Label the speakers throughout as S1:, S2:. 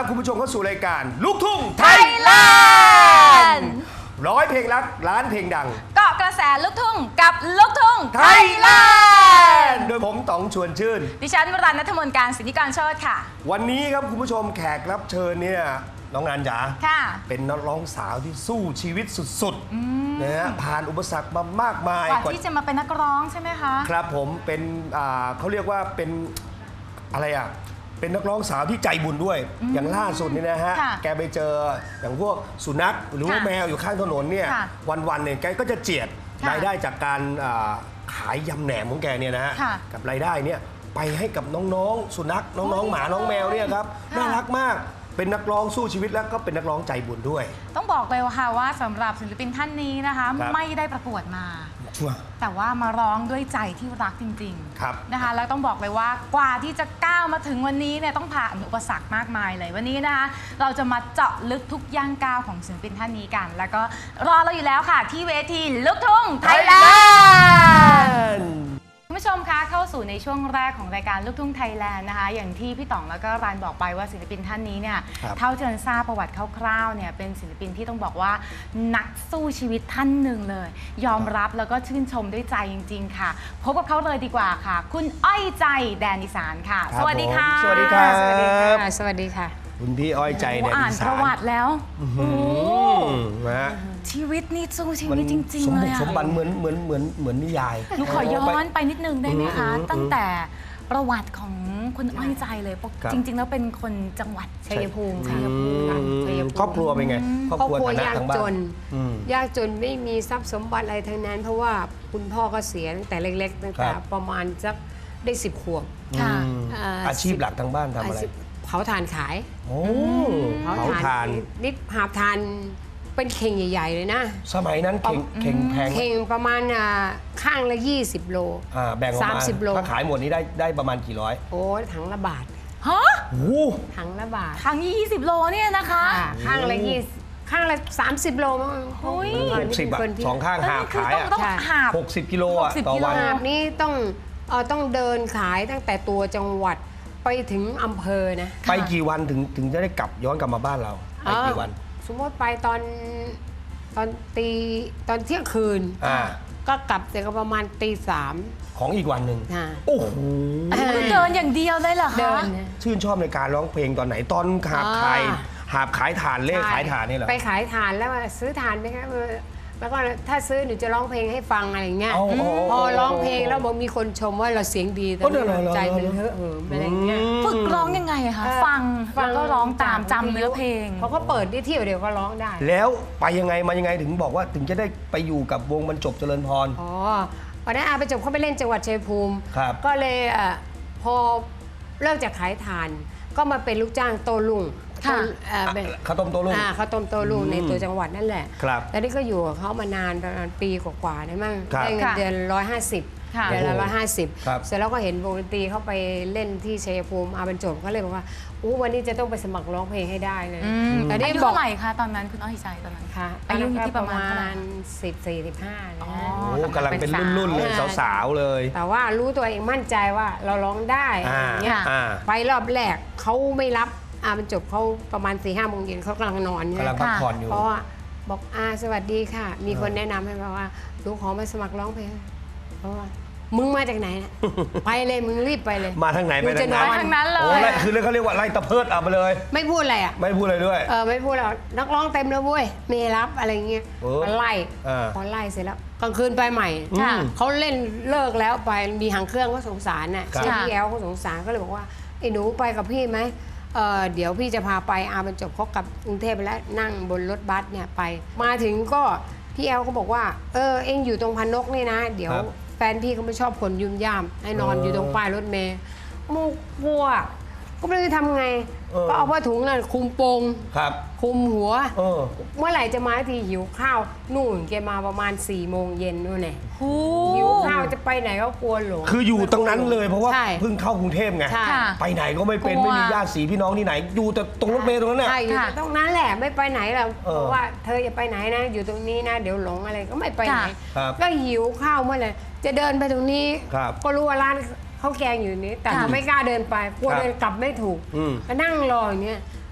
S1: รับคุณผู้ชมเข้าสู่รายการลูกทุ่งไทยแลนด์ร้อยเพลงรักล้านเพลงดัง
S2: เกาะกระแสลูกทุ่งกับลูกทุ่ง
S1: ไทยแลนด์โดยผมต๋องชวนชื่น
S2: ดิฉันวรัญณัฐมนต์การสิทธิกรโชติค่ะ
S1: วันนี้ครับคุณผู้ชมแขกรับเชิญเนี่ยน้องนันจ๋าเป็นนักร้องสาวที่สู้ชีวิตสุดๆนะฮะผ่านอุปสรรคมามากมาย
S2: กว่าที่จะมาเป็นนักร้องใช่ไหมคะ
S1: ครับผมเป็นเขาเรียกว่าเป็นอะไรอ่ะเป็นนักร้องสาวที่ใจบุญด้วยอย่างล่าสุดนี่นะฮะแกไปเจออย่างพวกสุนัขหรือว่าแมวอยู่ข้างถนนเนี่ยวันๆเนี่ยแกก็จะเจียดรายได้จากการขายยำแหนมของแกเนี่ยนะฮะกับรายได้เนี่ยไปให้กับน้องๆสุนัขน้องๆหมาน้องแมวเนี่ยครับน่ารักมากเป็นนักร้องสู้ชีวิตแล้วก็เป็นนักร้องใจบุญด้วย
S2: ต้องบอกเลยค่ะว่าสำหรับศิลปินท่านนี้นะคะไม่ได้ประกวดมาแต่ว่ามาร้องด้วยใจที่รักจริงๆนะคะแล้วต้องบอกเลยว่ากว่าที่จะก้าวมาถึงวันนี้เนี่ยต้องผ่านอุปสรรคมากมายเลยวันนี้นะคะเราจะมาเจาะลึกทุกย่างก้าวของศิลปินท่านนี้กันแล้วก็รอเราอยู่แล้วค่ะที่เวทีลูกทุ่งไทยแลนด์คุณผู้ชมคะเข้าสู่ในช่วงแรกของรายการลูกทุ่งไทยแลนด์นะคะอย่างที่พี่ต๋องแล้วก็รันบอกไปว่าศิลปินท่านนี้เนี่ยเท่าที่รันทราบประวัติคร่าวๆเนี่ยเป็นศิลปินที่ต้องบอกว่านักสู้ชีวิตท่านหนึ่งเลยยอมรับแล้วก็ชื่นชมด้วยใจจริงๆค่ะพบกับเขาเลยดีกว่าค่ะคุณอ้อยใจแดนอีสานค่ะสวัสดีค่ะ
S1: สวัสดีครับ
S2: สวัสดีค่ะสวัสดีค่ะ
S1: คุณพี่อ้อยใจแดนอีสาน
S2: อ่านประวัติแล้วนะชีวิตนี่สู้ชีวิตจริงๆเลย
S1: สมบัติเหมือนนิยาย
S2: หนูขอย้อนไปนิดนึงได้ไหมคะตั้งแต่ประวัติของคุณอ้อยใจเลยจริงๆแล้วเป็นคนจังหวัดชัยภูมิค่ะ
S1: ครอบครัวเป็นไง
S3: ครอบครัวยากจนยากจนไม่มีทรัพย์สมบัติอะไรทั้งนั้นเพราะว่าคุณพ่อก็เสียตั้งแต่เล็กๆตั้งแต่ประมาณสักได้10 ขวบ
S1: อาชีพหลักทางบ้านทำอะไร
S3: เผาถ่านขาย
S1: เผาถ่าน
S3: นิดหาบถ่านเป็นเข่งใหญ่ๆเลยนะ
S1: สมัยนั้นเข่งแพง
S3: เข่งประมาณข้างละ20 โล
S1: แบ่งออกมา30 โลถ้าขายหมดนี้ได้ประมาณกี่ร้อย
S3: โอ้ถังละบาท
S2: ฮะ
S3: ถังละบาท
S2: ถัง20 โลเนี่ยนะคะ
S3: ข้างละ20ข้างละ30 โลมั้ง
S1: 60 บาท2 ข้างหาบขาย
S2: ต้องหาบ
S1: 60 กิโลต่อวัน
S3: หาบนี้ต้องเดินขายตั้งแต่ตัวจังหวัดไปถึงอำเภอนะ
S1: ไปกี่วันถึงจะได้ย้อนกลับมาบ้านเราไปกี่วัน
S3: สมมติไปตอนเที่ยงคืนก็กลับแต่ก็ประมาณตี 3
S1: ของอีกวันหนึ่งโอ้โห
S2: เดินอย่างเดียวเลยเหรอคะ
S1: ชื่นชอบในการร้องเพลงตอนไหนตอนหาบขายถ่านเล่ขายถ่านนี่เหรอ
S3: ไปขายถ่านแล้วซื้อถ่านไหมคะแล้วก็ถ้าซื้อหนูจะร้องเพลงให้ฟังอะไรเงี้ยพอร้องเพลงแล้วบอกมีคนชมว่าเราเสียงดีแต่ใจมันเฮ้ออะไรเงี้ย
S2: ฝึกร้องยังไงคะฟังแล้วก็ร้องตามจำเนื้อเพลง
S3: เขาก็เปิดได้เที่ยวเดียวก็ร้องได้
S1: แล้วไปยังไงมายังไงถึงบอกว่าถึงจะได้ไปอยู่กับวงบรรจบเจริญพร
S3: วันนั้นไปจบเขาไปเล่นจังหวัดชัยภูมิก็เลยพอเลิกจากขายถ่านก็มาเป็นลูกจ้างโตลุง
S1: ข้าวต้มโตลุง
S3: ข้าวต้มโตลุงในตัวจังหวัดนั่นแหละแล้วนี่ก็อยู่กับเขามานานประมาณปีกว่าๆได้มั้งได้เงินเดือน150เดือนละ150เสร็จแล้วก็เห็นวงดนตรีเขาไปเล่นที่ชัยภูมิบรรจบก็เลยบอกว่าวันนี้จะต้องไปสมัครร้องเพลงให้ได้เลย
S2: แต่อายุเท่าไหร่คะตอนนั้นคุณอ้อยใจตอนนั้น
S3: ค่ะอายุที่ประมาณ14-15
S1: โอ้กำลังเป็นรุ่นเลยสาวๆเลย
S3: แต่ว่ารู้ตัวเองมั่นใจว่าเราร้องได้เนี่ยไปรอบแรกเขาไม่รับบรรจบเขาประมาณ4-5 โมงเย็นเขากำลังนอน
S1: กำลังพักผ่อนอยู่
S3: เพราะว่าบอกสวัสดีค่ะมีคนแนะนำให้มาว่าลูกขอมาสมัครร้องเพลงเพราะว่ามึงมาจากไหนไปเลยมึงรีบไปเลย
S1: มาทางไหนไปท
S2: างนั้นเลย
S1: คือเขาเรียกว่าไล่ตะเพิดเอาไปเลย
S3: ไม่พูดอะไร
S1: ไม่พูดอะไรด้วย
S3: ไม่พูดแล้วนักร้องเต็มเลยเว้ยไม่รับอะไรเงี้ยไล่พอไล่เสร็จแล้วกลางคืนไปใหม่เขาเล่นเลิกแล้วไปมีหางเครื่องก็สงสารน่ะเช่นพี่แอลก็สงสารก็เลยบอกว่าไอ้หนูไปกับพี่ไหมเดี๋ยวพี่จะพาไปบรรจบเขากลับกรุงเทพไปแล้วนั่งบนรถบัสเนี่ยไปมาถึงก็พี่แอลก็บอกว่าเอ็งอยู่ตรงพนกนี่นะเดี๋ยวแฟนพี่เขาไม่ชอบคนยุ่มย่ามให้นอนอยู่ตรงป้ายรถเมล์มูกลัวก็ไม่รู้จะทำไงก็เอาผ้าถุงนั่นคลุมโปงคลุมหัวเมื่อไหร่จะมาทีหิวข้าวนู่นแกมาประมาณ4 โมงเย็นนู่นไงหิวข้าวจะไปไหนก็กลัวหลง
S1: คืออยู่ตรงนั้นเลยเพราะว่าเพิ่งเข้ากรุงเทพไงไปไหนก็ไม่เป็นไม่มีญาติสีพี่น้องที่ไหนอยู่แต่ตรงรถเมล์ตรงนั้นแหละ
S3: ใช่อยู่ตรงนั้นแหละไม่ไปไหนหรอกเพราะว่าเธออย่าไปไหนนะอยู่ตรงนี้นะเดี๋ยวหลงอะไรก็ไม่ไปไหนก็หิวข้าวเมื่อไหร่จะเดินไปตรงนี้ก็รู้ว่าร้านข้าวแกงอยู่นี้แต่ไม่กล้าเดินไปกลัวเดินกลับไม่ถูกก็นั่งรออย่างเงี้ย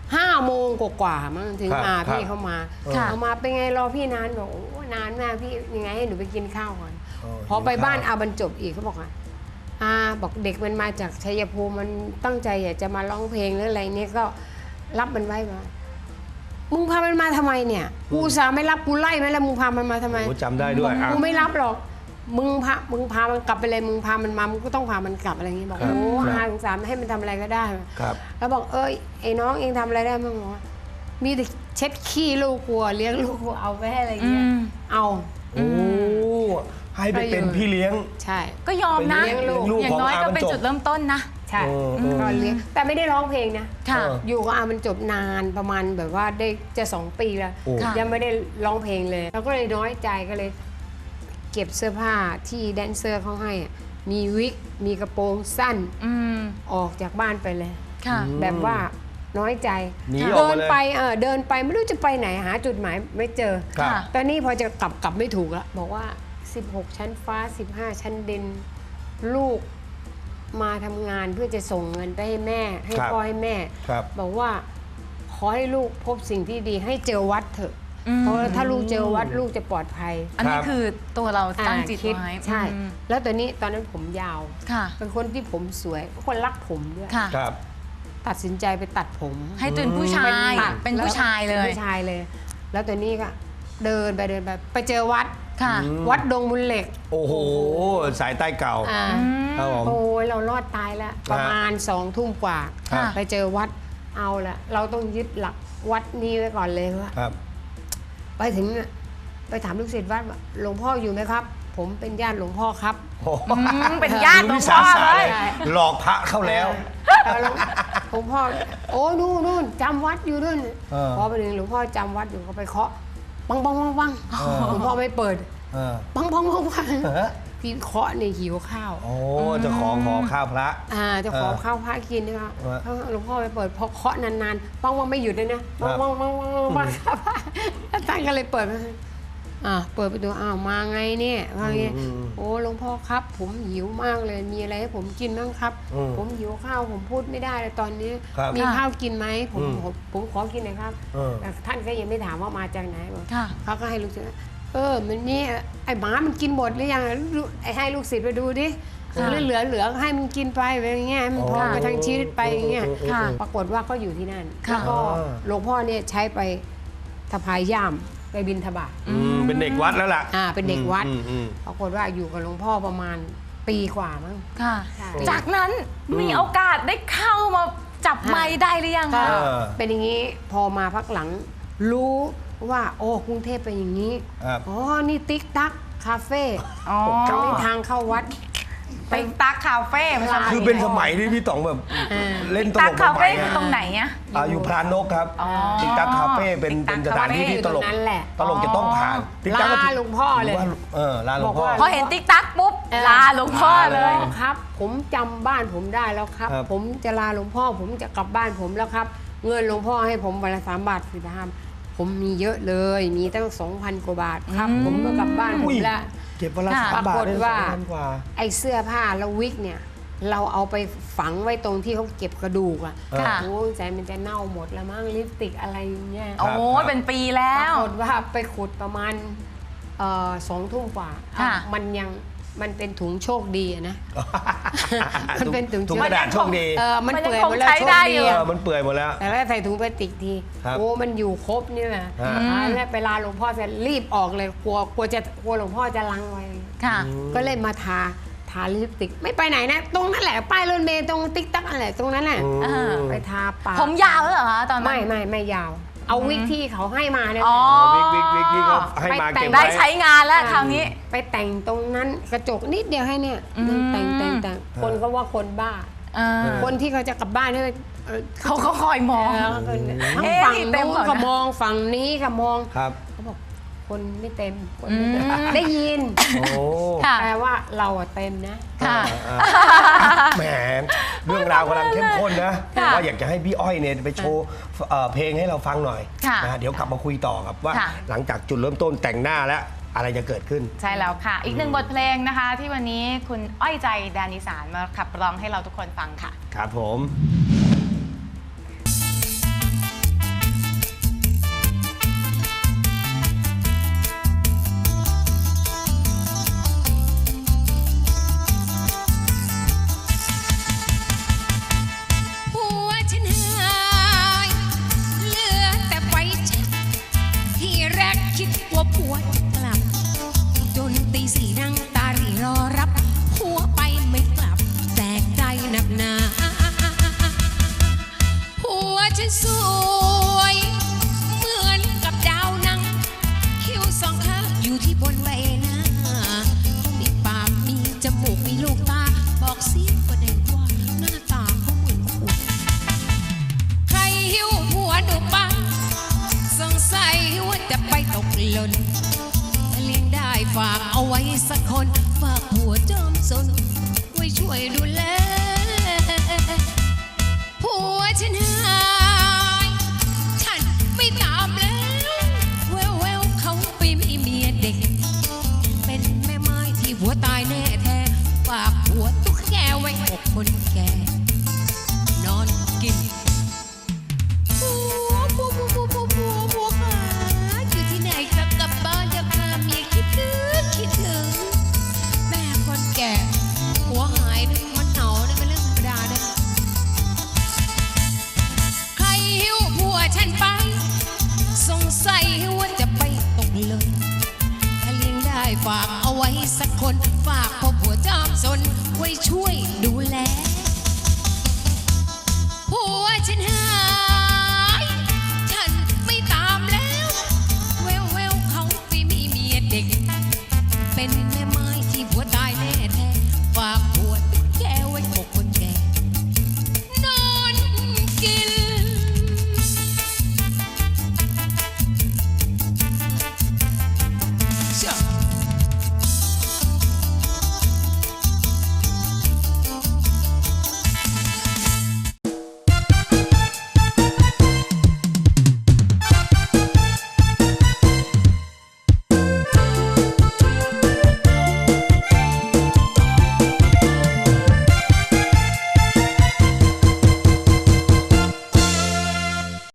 S3: 5 โมงกว่าๆมั้งถึงมาพี่เขามา
S2: ค่ะ
S3: เอามาเป็นไงรอพี่นานบอกโอ้นานมากพี่ยังไงให้หนูไปกินข้าวก่อนพอไปบ้านอาบรรจบอีกเขาบอกว่าบอกเด็กมันมาจากชัยภูมิมันตั้งใจอยากจะมาร้องเพลงหรืออะไรเนี่ยก็รับมันไว้มามึงพามันมาทำไมเนี่ยกูอุตส่าห์ไม่รับกูไล่ไหมแล้วมึงพามันมาทำไม
S1: โอ้จำได้ด้วย
S3: กูไม่รับหรอกมึงพามันกลับไปเลยมึงพามันมามึงก็ต้องพามันกลับอะไรอย่างงี้บอก
S1: ครับ
S3: โอ้
S1: ครับ
S3: สงสารให้มันทำอะไรก็ได้
S1: ครับ
S3: แล้วบอกเอ้ยไอ้น้องเองทำอะไรได้บ้างบอกว่ามีแต่เช็ดขี้ลูกกลัวเลี้ยงลูกกลัวเอาไปให้อะไรอย่างเงี้ยเอา
S1: โอ้ให้ไปเป็นพี่เลี้ยง
S3: ใช่
S2: ก็ยอมนะ
S1: เป็นเลี้ยงลูก
S2: อย่างน้อย
S1: ของอา
S2: ก็เป็น
S1: บรรจบ
S2: จุดเริ่มต้นนะ
S3: ใช่
S1: เออ
S3: ก็เลี้ยงแต่ไม่ได้ร้องเพลงนะ
S2: ค่ะ
S3: อยู่กับอามันจบนานประมาณแบบว่าได้จะ2 ปีแล้ว
S1: โอ้
S3: ยังไม่ได้ร้องเพลงเลยเราก็เลยน้อยใจก็เลย เก็บเสื้อผ้าที่แดนเซอร์เขาให้อะมีวิกมีกระโปรงสั้น
S2: อืม
S3: ออกจากบ้านไปเลย
S2: ค่ะ
S3: แบบว่าน้อยใจ
S1: หนีออก
S3: เดิ
S1: มาน เลย
S3: ไปเดินไปไม่รู้จะไปไหนหาจุดหมายไม่เจอ
S1: ครับ
S2: ค่ะ
S3: ตอนนี้พอจะกลับไม่ถูกแล้วบอกว่า 16 ชั้นฟ้า 15 ชั้นดินลูกมาทำงานเพื่อจะส่งเงินไปให้แม่ ให้
S1: ครับ
S3: พ่อให้แม่
S1: ครับ
S3: บอกว่าขอให้ลูกพบสิ่งที่ดีให้เจอวัดเถอะ
S2: อืม
S3: เพราะว่าถ้าลูกเจอวัดลูกจะปลอดภัย
S2: อันนี้
S1: ครับ
S2: คือตัวเราตั้งจิต
S3: คิด
S2: ไว้
S3: ใช่
S2: อืม
S3: แล้วตอนนั้นผมยาว
S2: ค่ะ
S3: เป็นคนที่ผมสวยคนรักผมด้วย
S2: ค่ะ
S1: ครับ
S3: ตัดสินใจไปตัดผม
S2: ให้เป็นผู้ชาย
S3: ตัด
S2: เป็นผู้ชายเล
S3: ป็น
S2: ย
S3: ผู้ชายเลย แล้วตอนนี้ก็เดินไปไปเจอวัด
S2: ค่ะ
S3: วัดดงมูลเหล็ก
S1: โอ้โห สายใต้เก่า
S3: อ่า
S1: ครับผม
S3: โอ้ยเรารอดตายแล้ว ประมาณ2 ทุ่มกว่า
S2: ค่ะ
S3: ไปเจอวัดเอาละเราต้องยึดหลักวัดนี้ไว้ก่อนเลยว่า
S1: ครับ
S3: ไปถึงน่ะไปถามลูกศิษย์วัดว่าหลวงพ่ออยู่ไหมครับ ผมเป็นญาติหลวงพ่อครับ
S1: โอ้โห
S2: เป็นญาติหลว
S1: วิ
S2: ง
S1: สา
S2: พ่อ
S1: สะ
S2: เล
S1: เลย ยหลอกพระเข้าแล้ว
S3: หลวงพ่อโอ้นู่นจำวัดอยู่นู่น
S1: เออ
S3: พอไปถึงหลวงพ่อจำวัดอยู่ก็ไปเคาะปังหลวงพ่อไม่เปิด
S1: เออ
S3: ปังพี่เคาะในหิวข้าว
S1: โอ้เจะของขอข้าวพระ
S3: จะขอข้าวพระกินนะคะ
S1: เออ
S3: หลวงพ่อไปเปิดพอเคาะนานๆปังไม่หยุดเลยนะปังครับแล้วท่านก็เลยเปิดมาเปิดไปดูอ้าวมาไงเนี่ยว่าไงโอ้หลวงพ่อครับผมหิวมากเลยมีอะไรให้ผมกินบ้างครับ ผมหิวข้าวผมพูดไม่ได้เลยตอนนี้
S1: ครับ
S3: มีข้าวกินไหมผมขอกินหน่อยครับ
S1: เออ
S3: แต่ท่านก็ยังไม่ถามว่ามาจากไหนบอก
S2: ค่ะ
S3: เขาก็ให้ลูกศิษย์มันนี่ไอ้หมามันกินหมดหรือยังให้ลูกศิษย์ไปดูดิ
S2: ค่ะ
S3: เหลือให้มันกินไปอย่างเงี้ยให้มันพอ
S2: ค่ะ
S3: ไปทั้งชีวิตไปอย่างเงี้ย
S2: ค่ะ
S3: ปรากฏว่าก็อยู่ที่นั่น
S2: ค่ะ
S3: แล้วก็หลวงพ่อเนี่ยใช้ไปสะพายย่ามไปบิณฑบาต
S1: เป็นเด็กวัดแล้วล่ะ
S3: เป็นเด็กวัด
S1: อืม
S3: ปรากฏว่าอยู่กับหลวงพ่อประมาณปีกว่ามั้ง
S2: ค่ะ
S3: ใช่
S2: จากนั้นมีโอกาสได้เข้ามาจับไมค์ได้หรือยัง
S3: ก็
S2: คะ
S3: เป็นอย่างนี้พอมาพักหลังรู้ว่าโอ้กรุงเทพเป็นอย่างนี้
S1: ครับ
S3: อ๋อนี่ติ๊กตักคาเฟ่
S2: อ๋อ
S3: เป็นทางเข้าวัด
S2: ติ๊กตักคาเฟ่ภาษา
S1: คือเป็นสมัยที่พี่ต๋องแบบเล่นตล
S2: ตัก
S1: ก
S2: คา
S1: ใหม่
S2: เฟ่
S1: ๆ
S2: คือ
S1: อะ
S2: ตรงไหนอะ
S1: อยู่พรานกครับ
S2: อ๋อ
S1: ติ๊กตักคาเฟ่เป็นสถานที่ที่ตลก
S3: อยู่ตรงนั้นแหละ
S1: ตลกจะต้องผ่านติ๊กตั๊กก็
S3: ลาหลวงพ่อเลย
S1: ว่าลาหลวงพ่อ
S3: บอกว่า
S2: พอเห็นติ๊กตักปุ๊บลาหลวงพ่อเลย
S3: ครับ ผมจำบ้านผมได้แล้วครับ
S1: ครับ
S3: ผมจะลาหลวงพ่อ ผมจะกลับบ้านผมแล้วครับ เงินหลวงพ่อให้ผมวันละ3 บาท15ผมมีเยอะเลย มีตั้ง 2,000 กว่าบาทครับ ผมก็กลับบ้านผมแล้ว
S1: เก็บวันละ
S2: ค่ะ
S1: 3 บาท
S3: ปรากฏ
S1: ได้
S3: ว่า
S1: 2,000 กว่า
S3: ไอ้เสื้อผ้าแล้ววิกเนี่ย เราเอาไปฝังไว้ตรงที่เขาเก็บกระดูกอ่ะ
S2: ค่ะ
S3: โอ้ยใจมันจะเน่าหมดแล้วมั้งลิปสติกอะไรอย่างเงี้ย
S2: โอ้เป็นปีแล้
S3: ปราว กฏว่าไปขุดประมาณ2 ทุ่มกว่า
S2: ค่ะ
S3: มันเป็นถุงโชคดีอะนะ มันเป็นถุง
S1: ถุงกระดาษโชคดี
S3: มัน
S2: มันยัง
S3: เปื่อยหมดแล้ว
S2: คงใช้
S3: โชค
S2: ได้อ
S3: ดี
S2: ยู่
S3: อะ
S1: มันเปื่อยหมดแล้ว
S3: แต่แล้วใส่ถุงพลาสติกที
S1: ครับ
S3: โอ้มันอยู่ครบนี่แหละ แล้วไปลาหลวงพ่อเสร็จรีบออกเลยกลัวหลวงพ่อจะลังไว้
S2: ค่ะ
S3: ก็เลยมาทาลิปสติกไม่ไปไหนนะ ตรงนั่นแหละป้ายรถเมล์ตรงติ๊กตักอะไรตรงนั้นแหละ
S2: อ่า
S3: ไปทาปาก
S2: ผมยาวแล้วเหรอคะตอนนั้น
S3: ไม่ยาว เอาวิกที่เขาให้มาเนี่ย
S2: อ๋อ
S1: วิกที่เขาให้มาเก็บ
S2: ได้
S1: ไว้
S2: ใช้งานแล้วคราวนี้
S3: ไปแต่งตรงนั้นกระจกนิดเดียวให้เนี่ย แต่งคนก็ว่าคนบ้า คนที่เขาจะกลับบ้านเนี่ย
S2: เขาก็คอยมอง
S3: ทั้ง
S2: เอ๊ะ
S3: ฝั่ง
S2: เต็ม
S3: นู้
S2: เหร
S3: น
S2: อ
S3: ก็
S2: นะ
S3: มองฝั่งนี้ก็มอง
S1: ครับ
S3: เขาบอกคนไม่เต็มคนไม่เต็มได้ยิน
S1: โอ้
S2: ค่ะ
S3: แปลว่าเราอะเต็มนะ
S2: ค่ะ
S1: แหมเรื่องราวกำลังเข้มข้นนะ
S2: ค่ะ
S1: ว่าอยากจะให้พี่อ้อยเนี่ยไปโชว์เพลงให้เราฟังหน่อย
S2: ค่ะ
S1: นะเดี๋ยวกลับมาคุยต่อครับว่า
S2: ค่ะ
S1: หลังจากจุดเริ่มต้นแต่งหน้าแล้วอะไรจะเกิดขึ้น
S2: ใช่แล้วค่ะ อีกหนึ่งบทเพลงนะคะ ที่วันนี้คุณอ้อยใจแดนอีสานมาขับร้องให้เราทุกคนฟังค่ะ
S1: ครับผม
S4: เว่าผัวจะกลับจนตีสี่นั่งตารีรอรับผัวไปไม่กลับแตกใจหนักหนาผัวฉันสวยเหมือนกับดาวนังคิ้วสองข้างอยู่ที่บนใบหน้าเขามีปากมีจมูกมีลูกตาบอกสิก็ได้ว่าหน้าตาเขาเหมือนขวดใครหิวผัวหนูปังสงสัยว่าจะไปตกหล่นเลี้ยงได้ฝากเอาไว้สักคนฝากผัวจอมสนไว้ช่วยดูแลผัวฉันหา